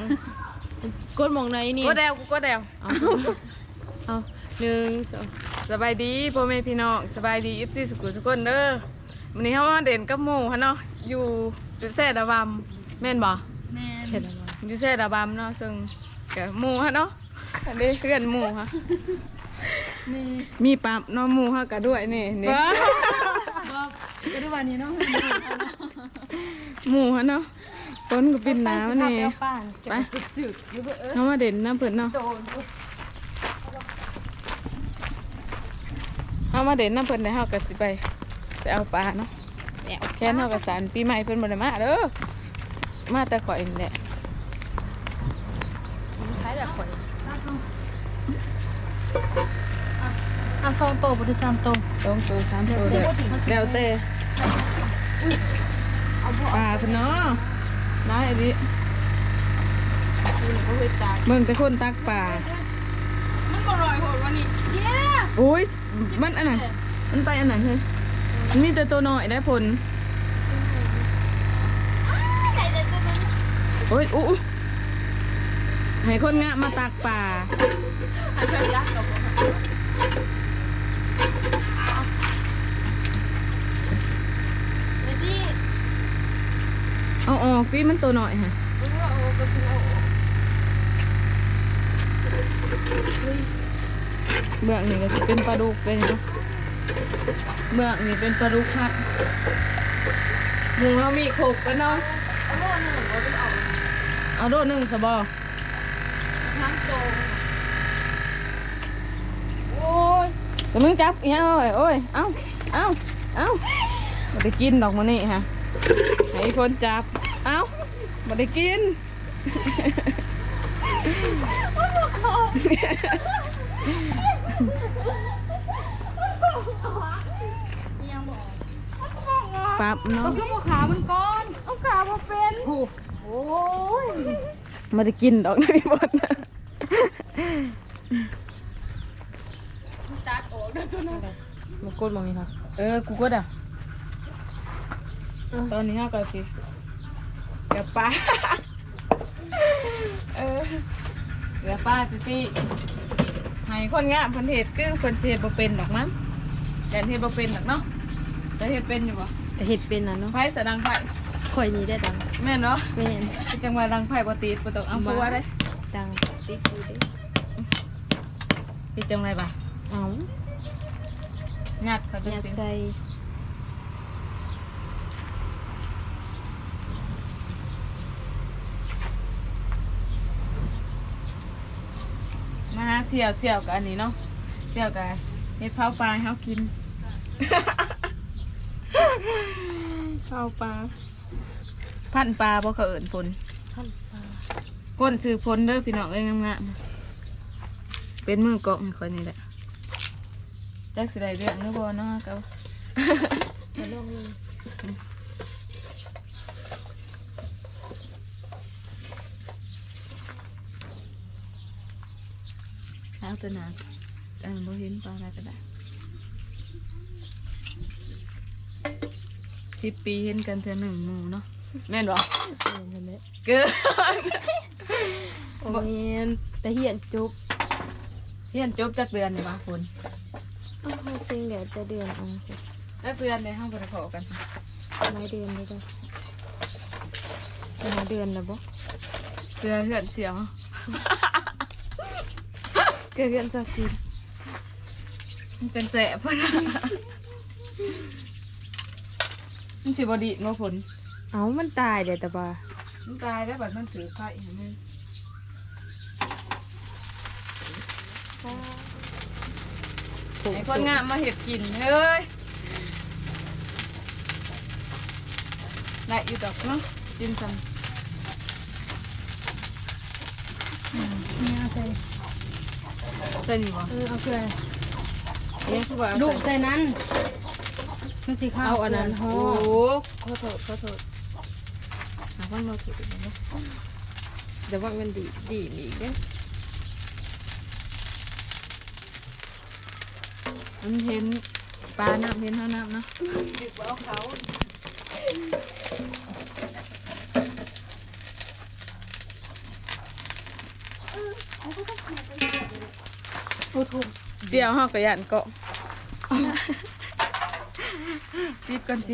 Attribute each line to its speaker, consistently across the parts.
Speaker 1: กดมองไหนนี่
Speaker 2: ก็แดวกูก็แดว
Speaker 1: เอาหนึ่งสอง
Speaker 2: สบายดีพ่อแม่พี่น้องสบายดีFCสุขุมสุขคนเด้อวันนี้เขามาเด่นกับหมู่ฮะเนาะอยู่แซ่ดาบำแม่นบ่
Speaker 1: แม่
Speaker 2: เห็นอยู่แซ่ดาบำเนาะซึ่งกับหมู่ฮะเนาะอันนี้เพื่อนหมู่ฮะมีปั๊บเนาะหมู่ฮะกันด้วยนี่นี่
Speaker 1: ก็ได้วันนี้เนาะ
Speaker 2: หมู่ฮะเนาะต้นก็ปินน้ำนี่ไปเขามาเด่นน้ำเปิดเนาะเขามาเด่นน้ำเปิดได้เขาก็สิไปเอาปลาเนาะแค่เขาก็สารปีใหม่เพิ่นบ่ได้มาเด้อมาแต่ข่อยนี่แหละ
Speaker 1: คล้ายแบบข่อย2 โตบ่ได้3 โต
Speaker 2: 2 ตัว 3 ตัวเด้อแล้วแต่ปลาเพิ่นเนาะน้อยอันนี้เบิ่งแต่คนตักปลา
Speaker 1: มันบ่ลอยโหดวันนี้
Speaker 2: อุ้ยมันอันไหนมันไปอันไหนเฮ้ยมันมีแต่ตัวน้อยได้ผลโอ้ยอู้ให้คนงะมาตักปลาเอาออกพี่มันตัวน้อยฮะเบื้องนี่ก็จะเป็นปลาดุกเลยเนาะเบื้องนี่เป็นปลาดุกค่ะหมูเรามีโขกกันเนาะเอาโดดหนึ่งสบอโอ้ยแต่มึงจับอีกแล้วโอ้ยเอามาได้กินดอกมันนี่ฮะให้คนจับเอามาได้กินปั๊บเนาะ
Speaker 1: ก็คือขามันก้อนเอาขามาเป็นโอ้ย
Speaker 2: มาได้กินดอกนี่บด
Speaker 1: ตัดออกได้ตัวนั้น
Speaker 2: มากดมองนี่ค่ะกูกดอ่ะตอนนี้ฮะก็สิเดี๋ยวป้าเดี๋ยวป้าสิตีให้คนงะพันเห็ดคือคนเห็ดบ่เป็นดอกมั้งแต่เห็ดบ่เป็นดอกเนาะแต่เห็ดเป็นอยู่บ่
Speaker 1: แต่เห็ดเป็นนะเนาะ
Speaker 2: ไผ่สะดังไผ่
Speaker 1: ข่อยนี้ได้ดัง
Speaker 2: แม่เนาะ
Speaker 1: แม่
Speaker 2: จังหวะดังไผ่บ่ติดบ่ต้องเอาผัวได้
Speaker 1: ดังติดอยู่เด้
Speaker 2: ติดจังไรบ่
Speaker 1: เอา
Speaker 2: งัดเขาจังสิ
Speaker 1: ใส่
Speaker 2: มาเสี่ยวกับอันนี้เนาะเสี่ยวกับเห็ดเผาปลาให้เขากินเผาปลาพันปลาบ่เขาเอิ้นฝน
Speaker 1: พันปลา
Speaker 2: ก้นซื้อฝนเด้อพี่น้องเอ้ยงามๆเป็นมือกอกคนนี้แหละจักสิได้เรื่องหรือบ่เนาะเขา
Speaker 1: มาลองเลย
Speaker 2: เอาตัวนั้นบ่เห็นปลาอะไรก็ได้10 ปีเห็นกันเทื่อหนึ่งหมู่เนาะแม่นบ่เกิน
Speaker 1: โอ้ยแต่เหียนจุบ
Speaker 2: จักเดือนนี่บ่ฝน
Speaker 1: เอาจริงเดี๋ยวจะเดือนเอา
Speaker 2: แล้วเดือนในห้องบ่ได้ขอกัน
Speaker 1: หลายเดือนเลยจ้ะ4 เดือนแล้วบ่
Speaker 2: เดือนเหือนเสียว
Speaker 1: เกิดเดือนสักที
Speaker 2: มันเป็นแสบมันสิบดีมาฝน
Speaker 1: เอามันตายเดี๋ยวแต่ว่า
Speaker 2: มันตายแล้วบัดมันถือไข่เห็นไหมไอ้คนงามมาเห็ดกินเฮ้ยได้อยู่ดอกเนาะกินซ้ำ
Speaker 1: เนี่ยเอาใส่
Speaker 2: นี่บ่
Speaker 1: เอาเกลือ
Speaker 2: เนี่ยคือว่า
Speaker 1: ดูใส่นั้นมันสีขาว
Speaker 2: เอาอันนั้น
Speaker 1: โอ้
Speaker 2: ขอโทษหาว่าเราถูกเนาะเดี๋ยวว่ามันดีเนี่ยมันเห็นปลาน้ำเห็นเท่าน้ำเนาะดึกเอาเขา
Speaker 1: โอ้โห
Speaker 2: เสียวเฮากระยันเกาะปิดก่อนจิน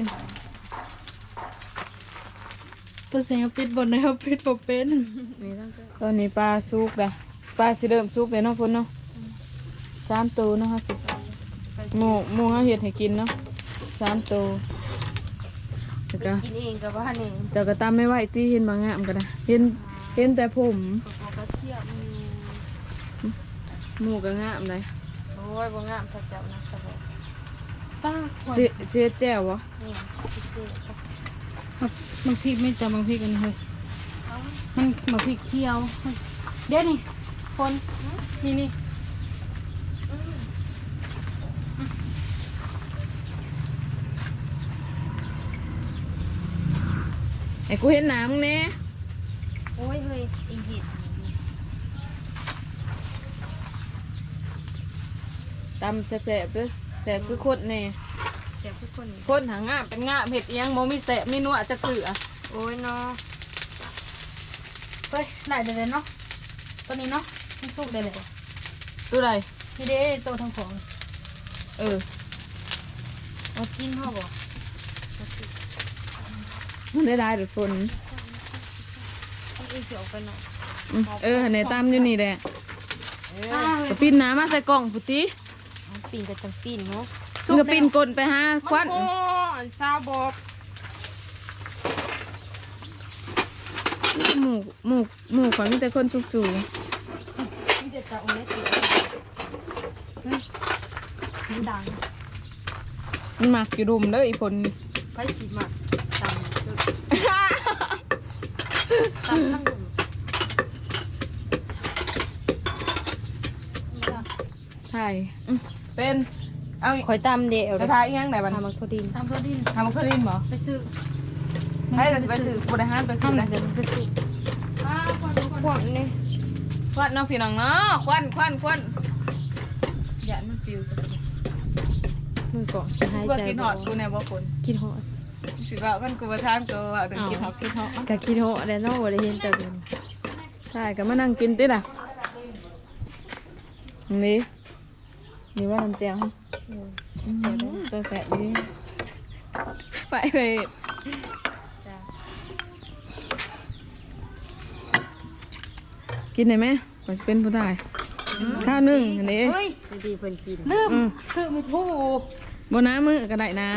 Speaker 1: ตัวแสงปิดบนนะครับปิดบ่เป็น
Speaker 2: ตอนนี้ปลาสุกแล้วปลาสิเริ่มสุกเลยเนาะพุ่นเนาะ3 ตัวเนาะสิหมูเฮาเฮ็ดให้กินเนาะ3 ตัวแล้วก็
Speaker 1: กินเองกับว่านี่
Speaker 2: เจ้าก็ตามไม่ไหวที่เห็นบางงามก็ได้เห็นแต่ผม
Speaker 1: ก็เทียบ
Speaker 2: หมูก็งามเลย
Speaker 1: โอ้ยบ่งามสักเจ้านะสบายป้าควร
Speaker 2: เสียแจ่วบ่
Speaker 1: เนี่ยพิเศษ
Speaker 3: บางพริกไม่จำบางพริกกันเลยมันบางพริกเคี่ยว เดี๋ยวนี่คนนี่
Speaker 2: ไอ้กูเห็นหน้ำมึงแน่
Speaker 1: โอ้ยเฮ้ยอีกที
Speaker 2: ตำแสบๆเด้อแสบคือคนแน่
Speaker 1: เจ็บทุกคน
Speaker 2: คนหางงามเป็นงามเห็ดเอียงโมมีแสบมีนัวจะเกลือ
Speaker 1: โอ้ยเนาะ
Speaker 3: เฮ้ยได้เลยเนาะตัวนี้เนาะมันสุกได้เลย
Speaker 2: ตัวใด
Speaker 3: นี่เด้ตัวทั้งของ
Speaker 2: เออ
Speaker 1: เอากินพ่อบอก
Speaker 2: มันได้ได้หรือฝน
Speaker 1: เอาอีเสียวไปหน่อย
Speaker 2: ในตำอยู่นี่แหละกระปิ้นน้ำมาใส่กล่องพุติ
Speaker 1: ปีนกับจังปีนเนาะ
Speaker 2: มึงกระปิ้นกลนไปหาควัน
Speaker 1: โอ้ยซาบอบ
Speaker 2: หมูของมีแต่คนสุก
Speaker 3: มันจะจะโอ้ยติดมันดัง
Speaker 2: ๆมันหมักอยู่ดุมเด้ออีผลนี่
Speaker 1: ไปฉีดมาตำตำทั้งหมด
Speaker 2: ใช่เป็นเอาอีก
Speaker 1: คอยตำเดียว
Speaker 2: กระทะอีกยังไหนบ้าง
Speaker 1: ทำมันพอดี
Speaker 3: ทำโปรตีน
Speaker 2: ทำมันเคยดินบ่
Speaker 3: ไปซื้อ
Speaker 2: ให้แต่ไปซื้อบริหารไปซื้อ
Speaker 1: ทำ
Speaker 2: เลย
Speaker 1: เดี๋ยวมันไปสุก
Speaker 3: ป้าคนดูคน
Speaker 1: พวกนี้
Speaker 2: ควันเนาะพี่น้องเนาะควันอย่ามันฟิวซะ
Speaker 1: มือก่อนจะหาย
Speaker 2: เพื่อ
Speaker 1: ใจ
Speaker 2: กินหอดกูแน่บ่ฝน
Speaker 1: กินหอด
Speaker 2: สิว่ากันกูมาทานก็ว่าเดินกินหอด
Speaker 1: กะกินหอดแล้วเนาะบ่ได้เห็นแต่เดิน
Speaker 2: ใช่ก็มานั่งกินติล่ะนี่ว่าน้ำแจ่วตัวแสบดีไปเลยกินได้ไหมก่อนจะเป็นผู้ชายข้าวนึ่งอันนี้
Speaker 3: เฮ้ย
Speaker 1: ดีเพิ่นกิน
Speaker 3: ลืมซื้อไม่ถูก
Speaker 2: บนน้ำมือก็ได้นะ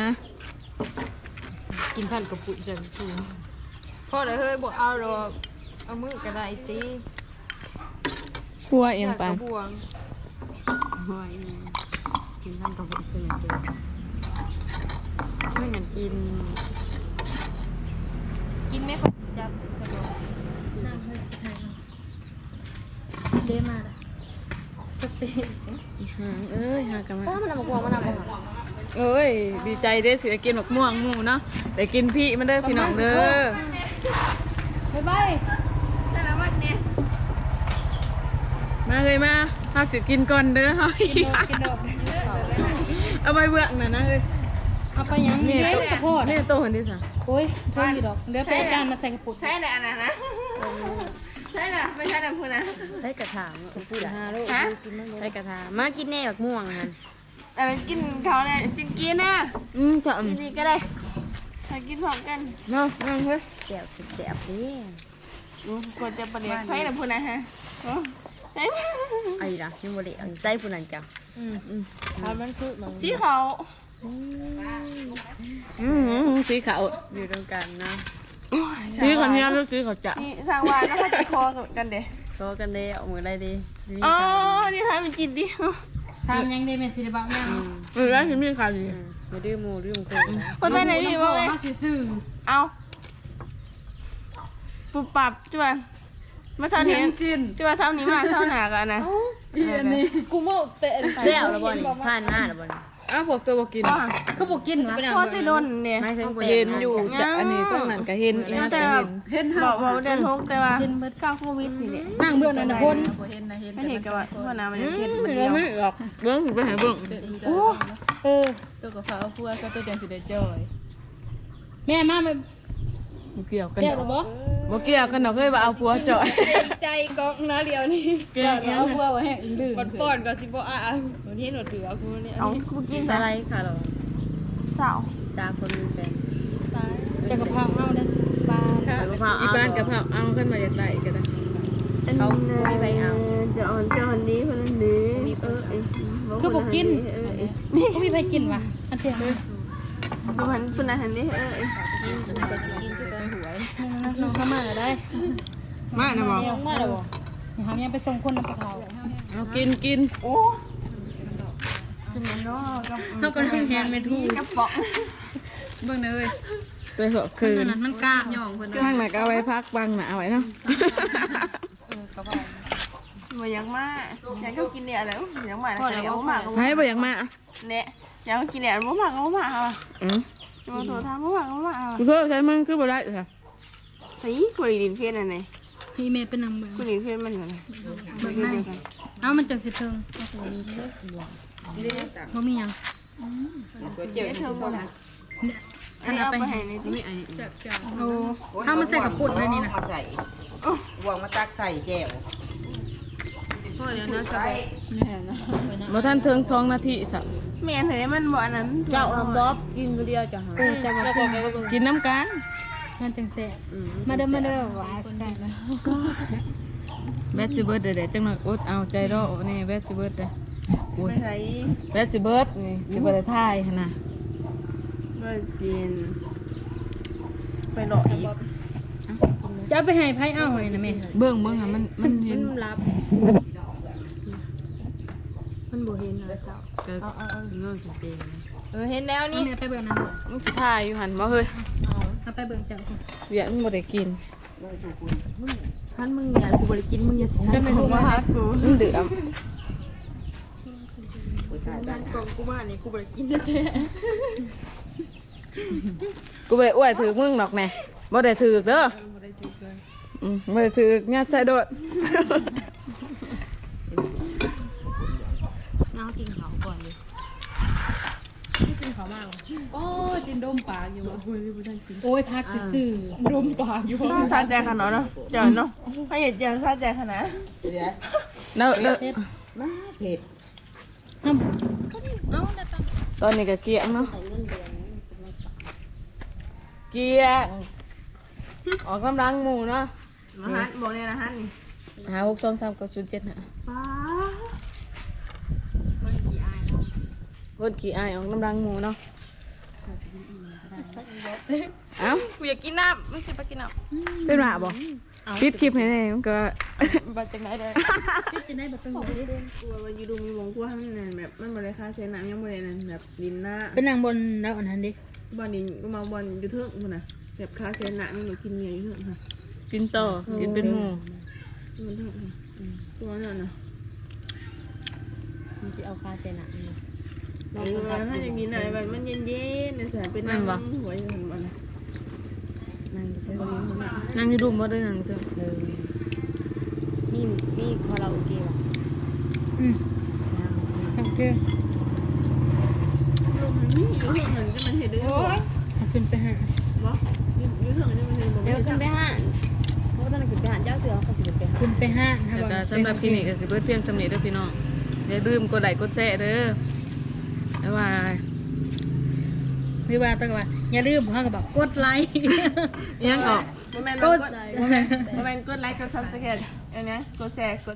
Speaker 1: กินพันกระปุกจังทู
Speaker 2: พอได้เฮ้ยบอกเอาดอกเอามือก็ได้ตีกลัวเอียงไป
Speaker 1: กระบวงหอยกินพันกระปุกจังทูไม่งั้นกิน
Speaker 3: กินไม่ค่อยสิจับสบายนั่งเฮ้ยไทยเดมาละสเปน
Speaker 2: หางเอ้ยหางกันมา
Speaker 1: ป้ามันนำมากวางมันนำมาหา
Speaker 2: เอ้ยดีใจได้สิได้กินหมกม่วงหมูเนาะได้กินพี่มันเด้อพี่น้องเด้อ
Speaker 3: บ๊ายบาย
Speaker 2: มาเลยมาพาสิกินก่อนเด้อเฮาอีก
Speaker 3: กินดอก
Speaker 2: เอาไปเบื้องน่ะนะเอ้ย
Speaker 3: เอาไปยัง
Speaker 2: นี่
Speaker 3: เลี้ย
Speaker 2: โต
Speaker 3: งกระโพด
Speaker 2: นี่โตคนที่สาม
Speaker 3: โอ้ยเพิ่งอยู่ดอกเดี๋ยวไปจานมาใส่กระปุก
Speaker 2: ใช่แหละนะนะใช่น่ะไม่ใช่น่ะพูดนะ
Speaker 1: ได้กระถางพูดหาลูกได้กระถางมากินแน่แบบม่วงนั่น
Speaker 2: กินเขาเนี่ยกินนะจะ
Speaker 1: นี่ก็ได้
Speaker 2: ไปกินพร้อมกันเนาะนั่งเฮ้ย
Speaker 1: แสบแสบดิ
Speaker 2: ควรจะประเดี๋ยวใช่น่ะพูดนะฮะใช่
Speaker 1: ไอ้ละยังบ่ได้อันใจผู้นั้นจ้ะ
Speaker 2: ทำมันคือมัน
Speaker 3: สีขาว
Speaker 2: สีขาว
Speaker 1: อยู่ตรงกันนะ
Speaker 2: สีขาวเนี่ยแล้วสีขาวจะ
Speaker 4: นี่สร้างวานแล้วให้จะคอกันเด้
Speaker 1: โตกันได้เอามือได้ดี
Speaker 4: อ๋อ นี่ทำเป็นจิตดิ
Speaker 3: ทำยังได้เป็นศิลปะแม่
Speaker 2: แล้วสีมีขาวดี
Speaker 1: ไม่ดื้อมูดื้อมโคนะ
Speaker 4: คนไหนพี่ว่าไง
Speaker 3: มาซื่อ
Speaker 4: เอาปุบปับจ้ะมาเช้านี้จ้ะเช้านี้มาเช้าหนากันนะ
Speaker 3: กูโม่เตะ
Speaker 1: เจ้าละบ่นผ่านหน้าละบ่น
Speaker 2: อ้าวพวกตัวบอกกิน
Speaker 3: ก็บอกกินวะ
Speaker 4: พอจะโดนเนี่ย
Speaker 1: ไม่ถึง
Speaker 2: เห็นอยู่จะอันนี้ต้องนั่นก็เห็นอีนั่นก็เห็น
Speaker 4: บอกว่าเดินทงแต่ว่าก้าวโควิดนี่เนี่ย
Speaker 3: นั่งเบื้องนั่นนะคน
Speaker 4: ไม่เห็นกับว่าพ่อน้ำมันเห็นมัน
Speaker 2: เดี
Speaker 4: เดียว
Speaker 2: ไม่ออกเบิ้งไปหาเบิ้ง
Speaker 4: โอ้
Speaker 3: เออ
Speaker 2: ตัวกับฟ้าพัวก็ตัวเดียวสิได้จอย
Speaker 3: แม่มาไป
Speaker 2: บ่เกี่ยวกัน
Speaker 3: เดี๋ยวหรอบ่
Speaker 2: บ่เกี่ยวกันดอกเฮ้ยว่าเอาผัวจ่อย
Speaker 1: ใจกองนะเดียวนี่
Speaker 2: เกี่ยวกัน
Speaker 3: เอาบัวไว้แห้งดื้อ
Speaker 1: ก่อนป้อนก็สิบ่อ่ะวันนี้หนูถือเอากูเนี่ย
Speaker 4: เอากูกิน
Speaker 1: อะไรค่ะเรา
Speaker 4: สาว
Speaker 1: สามคนเป็นแฟน
Speaker 3: จะกระเพราเอาได้ปลา
Speaker 1: ค่ะกะเพรา
Speaker 2: อีบ้านกะเพราเอาขึ้นมาอยากได้ก็ได้
Speaker 1: เขาไม่ไปเอา
Speaker 4: จะอ่อนจะอ่อนนี้คนนั้นนี้
Speaker 3: คือบ่กินก็มีใครกินวะอันเดียว
Speaker 4: ดูหันคนนั้นหันนี้
Speaker 3: ไปหวยน้องเข้ามาได้
Speaker 2: มานะบ่
Speaker 3: น้องมาแล้วบ่นี่เขาเนี่ยไปส่งคนน้ำปลาเขา
Speaker 2: เอากิน
Speaker 4: โอ้จะมันเนาะกับ
Speaker 3: เขาก็นั่งแทนไม่ถูก
Speaker 4: กระป๋อง
Speaker 3: เบิ่งเลย
Speaker 2: ไปเหอะคืน
Speaker 3: มันกล้าย่องคน
Speaker 2: ข้างไหนก็เอาไว้พักบังน่ะเอาไว้เนาะ
Speaker 4: มายังมาอยากก็กินเนี่ยแล้วยังมาแล้วยังมาก็
Speaker 2: ให้บ่อยากมา
Speaker 4: เนี่ยอยากกินเนี่ยบ่มาก็บ่มาค่ะ จะมาโทรถามบ่มาก็บ่มาค่ะ
Speaker 2: กูเพิ่มใช้มึงคือบ่ได้ค่ะ
Speaker 4: สิคุยดินเพี้ยนอันไหน
Speaker 3: พี่เมย์เป็นนางเบิ่ง
Speaker 4: คุยดินเพี้ยนมันเหมือน
Speaker 3: เบิ่งได้เอามันจังสิเทิงบ่มีหยัง
Speaker 4: เดี๋ยวเธอบ่ล่ะ
Speaker 3: ท่านเอาไป
Speaker 4: ให้ในที่
Speaker 3: โอ้ถ้ามันใส่กับปุ่นเลยนี่นะ
Speaker 5: ใส่วางมาตักใส่แก้ว
Speaker 1: พ่อเดี๋ยวนะสบาย
Speaker 2: บ่ทันถึง2 นาทีสัก
Speaker 4: แม่นเห็นมันบ่อันนั้น
Speaker 1: เจ้าทำบ๊อบกินคนเดียวจะหา
Speaker 3: จะมาปุ่น
Speaker 2: กินน้ำกัน
Speaker 3: มันจังแซ่บมาเด้อหวานได้นะ
Speaker 2: แบตสิเบิดเด้จังหน่อยอดเอาใจรอนี่แบตสิเบิดเด้อุ้ย
Speaker 4: ไปใส่
Speaker 2: แบตสิเบิดนี่สิบ่ได้ถ่ายหั่นน่ะ
Speaker 4: บ่กินไปหลอกอีก
Speaker 3: จะไปให้ไผเอาให้นะแม่
Speaker 2: เบิ่งอ่ะมันเห็
Speaker 1: มัน นรับ มันบ่เห็นนะเจ้า
Speaker 2: ก็เงื่อนเต็ม
Speaker 1: เห็นแล้วนี่
Speaker 3: แม่ไปเบิ่งนั่นบ่
Speaker 2: มันสิถ่ายอยู่หั่นบ่เฮ้ย
Speaker 3: เอาไปเบิ่งเจ้า
Speaker 2: เวียนบ่ได้กิน
Speaker 1: ท่านมึงอยากกูบ่ได้กินมึงอย่าสิ
Speaker 3: จะไม่รู้ว่า
Speaker 2: มันเดือม
Speaker 1: กองกูมานี่กูบ่ได้กินแท้
Speaker 2: กูบ่ได้อวยถือมึงดอกแน่บ่ได้ถือเด้อบ่ได้ถือญาติชายโดด
Speaker 1: น้ากินข้าวก่อนดิกินข้าวมาก
Speaker 3: โอ้ยจินดมปากอยู่โอ้ยพักซื่อๆดมปากอยู่
Speaker 4: ต้องซาใจขนาดเนาะเจ้าเนาะให้เห็นเจ้าซาใจขนาด
Speaker 5: เดี๋ยว
Speaker 2: แล้ว
Speaker 3: เผ็ด
Speaker 5: มาเผ็ด
Speaker 3: เอาแต่ต
Speaker 2: ตอนนี้ก็เกียงเนาะเกียงออกกำลังหมู่เนาะ
Speaker 4: มาฮันบอกเนี่ยนะฮันนี่
Speaker 2: หา6 2 3 9 0 7น่ะ
Speaker 4: ป้า
Speaker 2: คนขี้อายออกกำลังหมู่เนาะเอ้า
Speaker 1: กูอยากกินน้ำไม่สิไปกินน้
Speaker 2: เป็นหมาบ่ปิดคลิปให้แน่มันก็
Speaker 1: ำบัดจังได๋เด้อ
Speaker 3: ำจะได้แบบเป็นหัวดิ
Speaker 4: กลัวว่าอยู่ดูมีวงกลัวให้มันแบบมันบริค่าเซนน้ำยังบรินั่นแบบดินหน้า
Speaker 3: เป็นนางบนแล้วอันนั้นดิ
Speaker 4: บอลดินก็มาบอลอยู่เทิงมันนะแบบค่าเซนน้ำมันหนูกินเมียอยู่เทิงค่ะ
Speaker 2: กินต่อกินเป็นหมู่
Speaker 4: มันเทิงตัวนั่นนะ
Speaker 1: มึงสิเอาคาเจน่ะ
Speaker 4: เราถ้าอย่างนี้หน่อยแบบมันเย็นๆเนี่ยสายเป็นน้ำหัวอยู่หันมันนั่งอยู่เทิง
Speaker 2: นั่งอยู่ดุมบ่ได้นั่งอยู่เถอะ
Speaker 1: มีคาราโอเกะว่ะ
Speaker 3: โอเค
Speaker 4: ลมมันนี่อยู่เทิงมันจะมันเห็นได้ยังไง
Speaker 3: ขึ้นไปหา
Speaker 4: วะอยู่เทิงจะมันเห็น
Speaker 1: เดี๋ยวขึ้นไปห้างเพราะว่าตอนนั้นขึ้นไปห้างเจ้าเตือเขาสิขึ้นไปห้าง
Speaker 3: ขึ้นไปห้า
Speaker 2: แล้วก็สำหรับคลินิกก็สิเบิดเพียงสำนี้เด้อพี่น้องอย่าลืมกดไลค์กดแชร์เด้อบ๊ายบาย
Speaker 3: หรือว่าตั้งว่าอย่าลืมเขาก็บอกกดไลค์
Speaker 2: ยังออก
Speaker 4: โมเมนต์กดไลค์กดซับสไครต์อันนี้กดแชร์กด